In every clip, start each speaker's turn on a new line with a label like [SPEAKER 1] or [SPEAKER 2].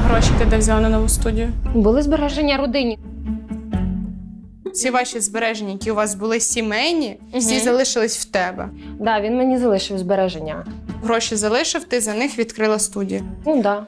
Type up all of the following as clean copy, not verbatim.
[SPEAKER 1] гроші ти де взяла на нову студію?
[SPEAKER 2] Були збереження родині.
[SPEAKER 1] Всі ваші збереження, які у вас були сімейні, всі залишились в тебе.
[SPEAKER 2] Да, він мені залишив збереження.
[SPEAKER 1] Гроші залишив, ти за них відкрила студію.
[SPEAKER 2] Ну, да.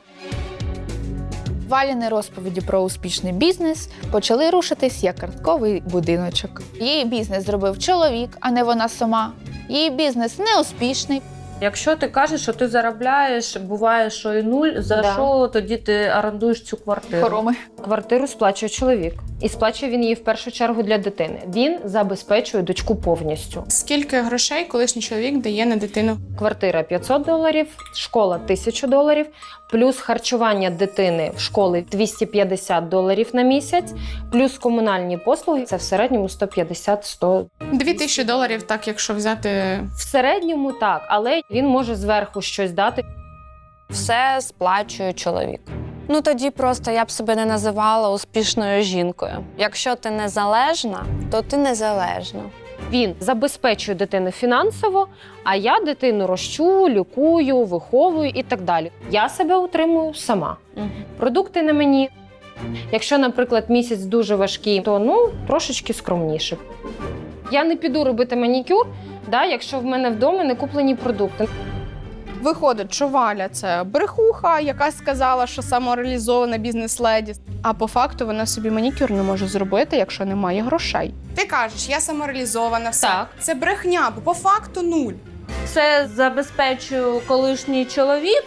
[SPEAKER 3] Валіни розповіді про успішний бізнес почали рушитись як картковий будиночок. Її бізнес зробив чоловік, а не вона сама. Її бізнес неуспішний.
[SPEAKER 4] Якщо ти кажеш, що ти заробляєш, буває, що і нуль, за що тоді ти орендуєш цю квартиру?
[SPEAKER 3] Хороми.
[SPEAKER 2] Квартиру сплачує чоловік. І сплачує він її в першу чергу для дитини. Він забезпечує дочку повністю.
[SPEAKER 1] Скільки грошей колишній чоловік дає на дитину?
[SPEAKER 2] Квартира $500, школа $1000, плюс харчування дитини в школі $250 на місяць, плюс комунальні послуги – це в середньому $150-100.
[SPEAKER 1] $2000, так, якщо взяти.
[SPEAKER 2] В середньому так, але він може зверху щось дати.
[SPEAKER 5] Все сплачує чоловік. Ну тоді просто я б себе не називала успішною жінкою. Якщо ти незалежна, то ти незалежна.
[SPEAKER 2] Він забезпечує дитину фінансово, а я дитину рощу, лікую, виховую і так далі. Я себе утримую сама. Продукти на мені. Якщо, наприклад, місяць дуже важкий, то трошечки скромніше. Я не піду робити манікюр, якщо в мене вдома не куплені продукти.
[SPEAKER 1] Виходить, що Валя – це брехуха, яка сказала, що самореалізована бізнес-леді. А по факту вона собі манікюр не може зробити, якщо немає грошей. Ти кажеш, я самореалізована, все.
[SPEAKER 2] Так.
[SPEAKER 1] Це брехня, бо по факту нуль.
[SPEAKER 4] Це забезпечує колишній чоловік.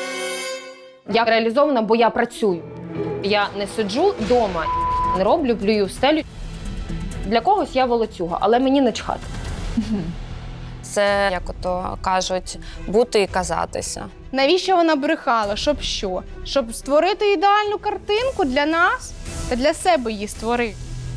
[SPEAKER 2] Я реалізована, бо я працюю. Я не сиджу вдома, не роблю, плюю в стелю. Для когось я волоцюга, але мені не чхати.
[SPEAKER 5] Це, як ото кажуть, бути і казатися.
[SPEAKER 1] Навіщо вона брехала? Щоб що? Щоб створити ідеальну картинку для нас? Та для себе її створи.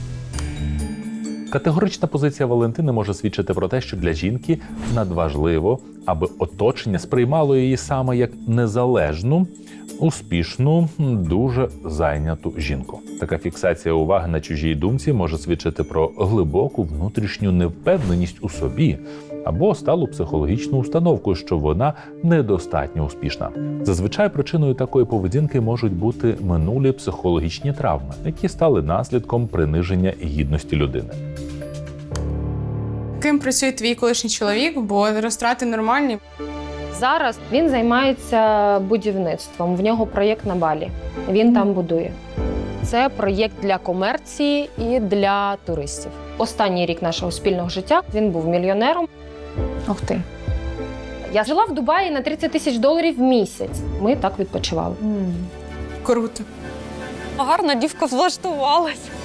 [SPEAKER 6] Категорична позиція Валентини може свідчити про те, що для жінки надважливо, аби оточення сприймало її саме як незалежну, успішну, дуже зайняту жінку. Така фіксація уваги на чужій думці може свідчити про глибоку внутрішню невпевненість у собі або сталу психологічну установку, що вона недостатньо успішна. Зазвичай причиною такої поведінки можуть бути минулі психологічні травми, які стали наслідком приниження гідності людини.
[SPEAKER 1] Ким працює твій колишній чоловік, бо розтрати нормальні?
[SPEAKER 2] Зараз він займається будівництвом. В нього проєкт на Балі. Він там будує. Це проєкт для комерції і для туристів. Останній рік нашого спільного життя він був мільйонером.
[SPEAKER 3] Ух ти.
[SPEAKER 2] Я жила в Дубаї на $30 000 в місяць. Ми так відпочивали.
[SPEAKER 1] Круто.
[SPEAKER 5] Гарно дівка влаштувалась.